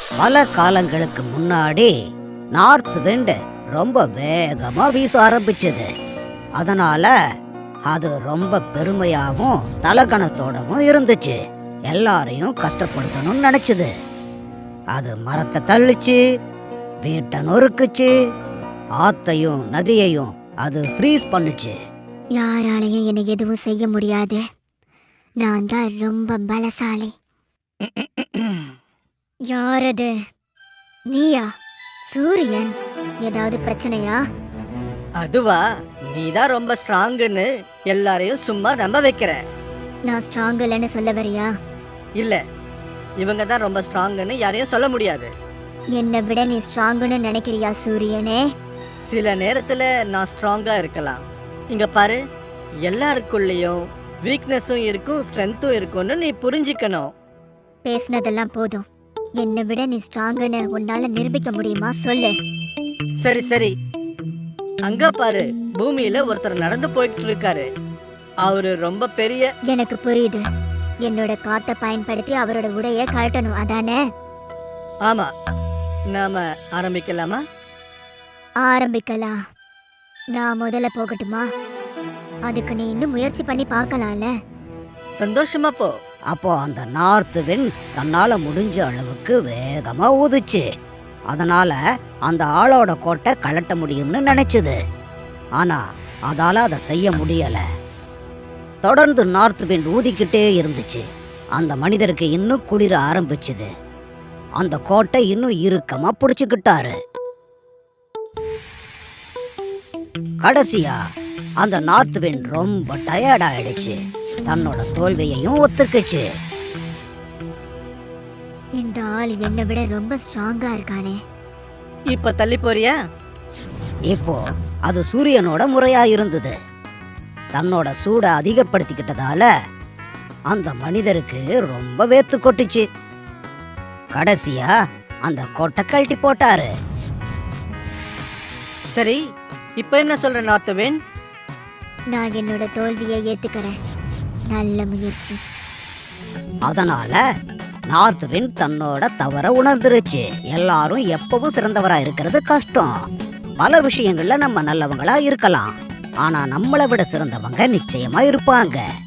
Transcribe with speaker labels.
Speaker 1: பல காலங்களுக்கு முன்னாடி நார்த் விண்ட் ரொம்ப வேகமா வீச ஆரம்பிச்சது. அதனால அது ரொம்ப பெருமையாகவும் தலகணத்தோடவும் இருந்துச்சு. எல்லாரையும் கஷ்டப்படுத்தணும்னு நினைச்சது. அது மரத்தை தள்ளிச்சு, வீட்டை நொறுக்குச்சு, ஆத்தையும் நதியையும் அது ஃப்ரீஸ் பண்ணுச்சு.
Speaker 2: யாராலையும் என்னை எதுவும் செய்ய முடியாது. நான் தான் ரொம்ப பலசாலி. யாரது? நீயா? சூரியன், ஏதாவது பிரச்சனையா?
Speaker 3: அதுவா, நீதான் ரொம்ப ஸ்ட்ராங்குன்னு எல்லாரையும் சும்மா நம்ப வைக்கிற.
Speaker 2: நான் ஸ்ட்ராங் இல்லைன்னு சொல்ல வரியா?
Speaker 3: இல்ல, இவங்க தான் ரொம்ப ஸ்ட்ராங்குன்னு யாரையும் சொல்ல முடியாது.
Speaker 2: என்னை விட நீ ஸ்ட்ராங்குன்னு நினைக்கிறியா சூரியனே?
Speaker 3: சில நேரத்துல நான் ஸ்ட்ராங்கா இருக்கலாம். இங்க பாரு, எல்லாருக்குள்ளேயும் வீக்னஸும் இருக்கும், ஸ்ட்ரென்த்தும் இருக்கும்னு நீ புரிஞ்சுக்கணும்.
Speaker 2: பேசினதெல்லாம் போதும். என்னை விட நீ ஸ்ட்ராங்குன்னு உன்னால நிரூபிக்க முடியுமா? சொல்லு.
Speaker 3: சரி சரி, அங்க பாரு, பூமியில ஒருத்தர் நடந்து போயிட்டு இருக்காரு. அவரு ரொம்ப பெரிய.
Speaker 2: எனக்கு புரியுது. என்னோட காத்தை பயன்படுத்தி அவரோட உடைய கழட்டணும், அதானே?
Speaker 3: ஆமா, நாம ஆரம்பிக்கலாமா?
Speaker 2: ஆரம்பிக்கலாம். நான் முதல்ல போகட்டுமா? அதுக்கு நீ இன்னும் முயற்சி பண்ணி பார்க்கலாம்ல.
Speaker 3: சந்தோஷமா போ.
Speaker 1: அப்போ அந்த நார்த் விண்ட் தன்னால முடிஞ்ச அளவுக்கு வேகமா ஊதுச்சு. அதனால அந்த ஆளோட கோட்டை கழட்ட முடியும்னு நினைச்சது. ஆனா அதால அதை செய்ய முடியல. தொடர்ந்து நார்த் விண்ட் ஊதிக்கிட்டே இருந்துச்சு. அந்த மனிதருக்கு இன்னும் குளிர ஆரம்பிச்சுது. அந்த கோட்டை இன்னும் இறுக்கமா பிடிச்சுக்கிட்டாரு. கடைசியா அந்த நார்த் விண்ட் ரொம்ப டயர்ட் ஆயிடுச்சு. தன்னோட தோல்வியையும் ஒத்துக்குச்சு.
Speaker 2: இந்த ஆள் என்னை விட ரொம்ப ஸ்ட்ராங்கா இருக்கானே.
Speaker 3: இப்ப தள்ளி போறியா?
Speaker 1: இப்போ அது சூரியனோட முறையா இருந்தது. தன்னோட சூடை அதிகப்படுத்திக்கிட்டதால அந்த மனிதருக்கு ரொம்ப வேத்து கொட்டுச்சு. கடைசியா அந்த கொட்டை கழட்டி போட்டாரு.
Speaker 3: சரி, இப்ப என்ன சொல்ற நார்த் விண்ட்?
Speaker 2: நான் என்னோட தோல்வியை ஏத்துக்கிறேன். நல்ல முயற்சி.
Speaker 1: அதனால நார்த் விண்ட் தன்னோட தவற உணர்ந்துருச்சு. எல்லாரும் எப்பவும் சிறந்தவரா இருக்கிறது கஷ்டம். பல விஷயங்கள்ல நம்ம நல்லவங்களா இருக்கலாம், ஆனா நம்மளை விட சிறந்தவங்க நிச்சயமா இருப்பாங்க.